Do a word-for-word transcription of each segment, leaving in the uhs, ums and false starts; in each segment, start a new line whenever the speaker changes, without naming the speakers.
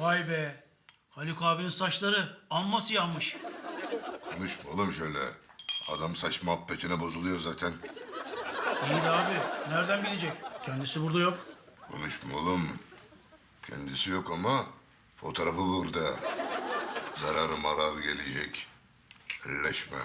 Vay be. Haluk abinin saçları amma siyahmış.
Konuşma oğlum şöyle. Adam saç muhabbetine bozuluyor zaten.
İyi de abi. Nereden bilecek? Kendisi burada yok.
Konuşma oğlum. Kendisi yok ama fotoğrafı burada. Zararı marar gelecek. Elleşme.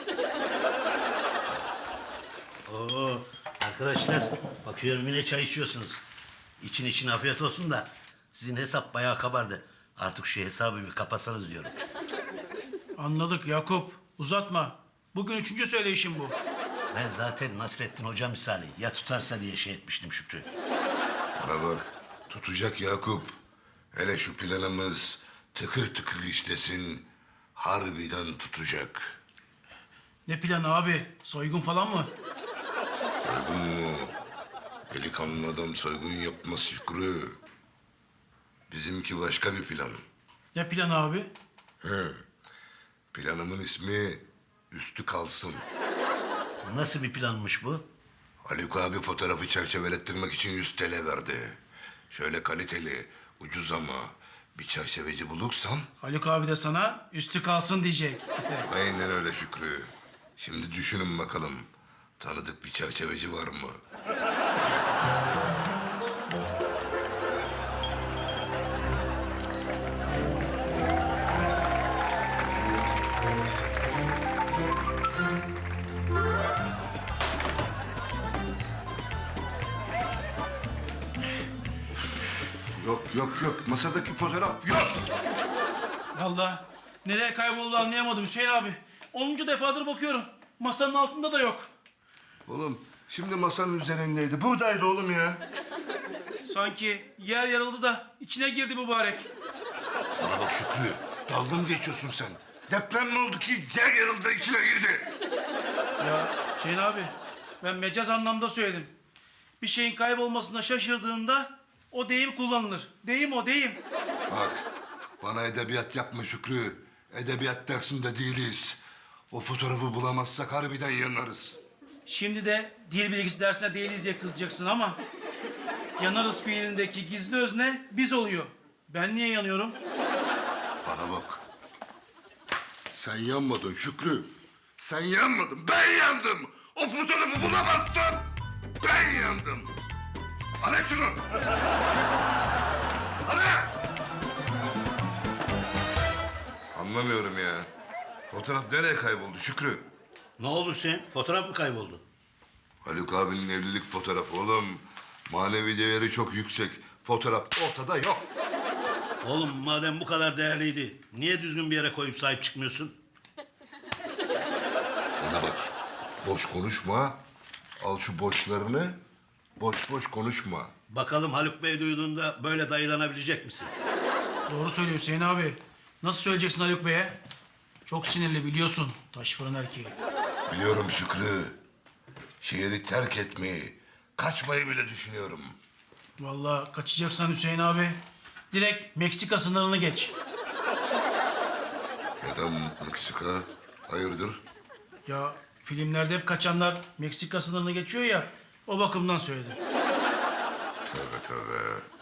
Oo, arkadaşlar bakıyorum yine çay içiyorsunuz. İçin için afiyet olsun da sizin hesap bayağı kabardı. Artık şu hesabı bir kapatsanız diyorum.
Anladık Yakup. Uzatma. Bugün üçüncü söyleyişim bu.
Ben zaten Nasrettin Hoca misali ya tutarsa diye şey etmiştim Şükrü.
Bana bak. Tutacak Yakup. Hele şu planımız tıkır tıkır işlesin. Harbiden tutacak.
Ne planı abi? Soygun falan mı?
Soygun mu? Delikanlı adam soygun yapmaz Şükrü. Bizimki başka bir plan.
Ne planı abi?
He. Planımın ismi Üstü Kalsın.
Nasıl bir planmış bu?
Haluk abi fotoğrafı çerçevelettirmek için yüz T L verdi. Şöyle kaliteli, ucuz ama bir çerçeveci bulursam...
Haluk abi de sana üstü kalsın diyecek.
Aynen öyle Şükrü. Şimdi düşünün bakalım. Tanıdık bir çerçeveci var mı? Yok yok yok. Masadaki fotoğraf yok.
Vallahi nereye kayboldu anlayamadım Hüseyin abi. Onuncu defadır bakıyorum. Masanın altında da yok.
Oğlum şimdi masanın üzerindeydi. Buradaydı oğlum ya.
Sanki yer yarıldı da içine girdi mübarek.
Bana bak Şükrü. Dalga mı geçiyorsun sen? Deprem mi oldu ki yer yarıldı içine girdi?
Ya Hüseyin abi ben mecaz anlamda söyledim. Bir şeyin kaybolmasına şaşırdığında o deyim kullanılır. Deyim o deyim.
Bak bana edebiyat yapma Şükrü. Edebiyat dersinde değiliz. O fotoğrafı bulamazsak harbiden yanarız.
Şimdi de dil bilgisi dersine değiliz diye kızacaksın ama... yanarız fiilindeki gizli özne biz oluyor. Ben niye yanıyorum?
Bana bak. Sen yanmadın Şükrü. Sen yanmadın. Ben yandım. O fotoğrafı bulamazsam ben yandım. Ara şunu. Ara. Anlamıyorum ya. Fotoğraf nereye kayboldu Şükrü?
Ne oldu Hüseyin? Fotoğraf mı kayboldu?
Haluk abinin evlilik fotoğrafı oğlum. Manevi değeri çok yüksek. Fotoğraf ortada yok.
Oğlum madem bu kadar değerliydi niye düzgün bir yere koyup sahip çıkmıyorsun?
Bana bak. Boş konuşma. Al şu boşlarını. Boş boş konuşma.
Bakalım Haluk Bey duyduğunda böyle dayılanabilecek misin?
Doğru söylüyor Hüseyin abi. Nasıl söyleyeceksin Haluk Bey'e? Çok sinirli biliyorsun taş fırın erkeği.
Biliyorum Şükrü. Şehri terk etmeyi, kaçmayı bile düşünüyorum.
Vallahi kaçacaksan Hüseyin abi direkt Meksika sınırını geç.
Neden Meksika? Hayırdır?
Ya filmlerde hep kaçanlar Meksika sınırını geçiyor ya o bakımdan söyledim.
Tövbe tövbe.